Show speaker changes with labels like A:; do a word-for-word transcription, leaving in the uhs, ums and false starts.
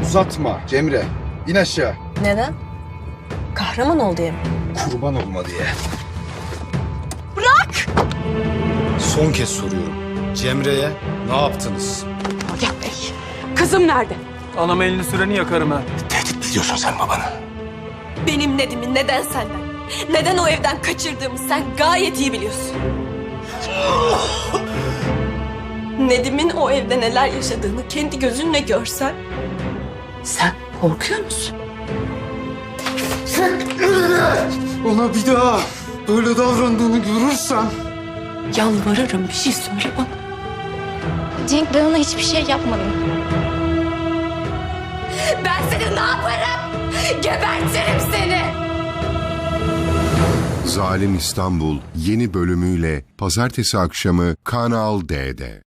A: Uzatma Cemre. İn aşağı.
B: Neden? Kahraman ol diye mi?
A: Kurban olma diye.
B: Bırak!
A: Son kez soruyorum. Cemre'ye ne yaptınız?
C: Agah Bey, kızım nerede?
D: Anam elini süreni yakarım ha.
A: Tehdit ediyorsun sen babanı.
B: Benim Nedim'i neden senden, neden o evden kaçırdığımı sen gayet iyi biliyorsun. Nedim'in o evde neler yaşadığını kendi gözünle görsen...
C: Sen korkuyor musun?
A: Ona bir daha böyle davrandığını görürsem...
C: Yalvarırım, bir şey söyle bana.
E: Cenk, ben ona hiçbir şey yapmadım.
B: Ben seni ne yaparım? Gebertirim seni!
F: Zalim İstanbul yeni bölümüyle pazartesi akşamı Kanal D'de.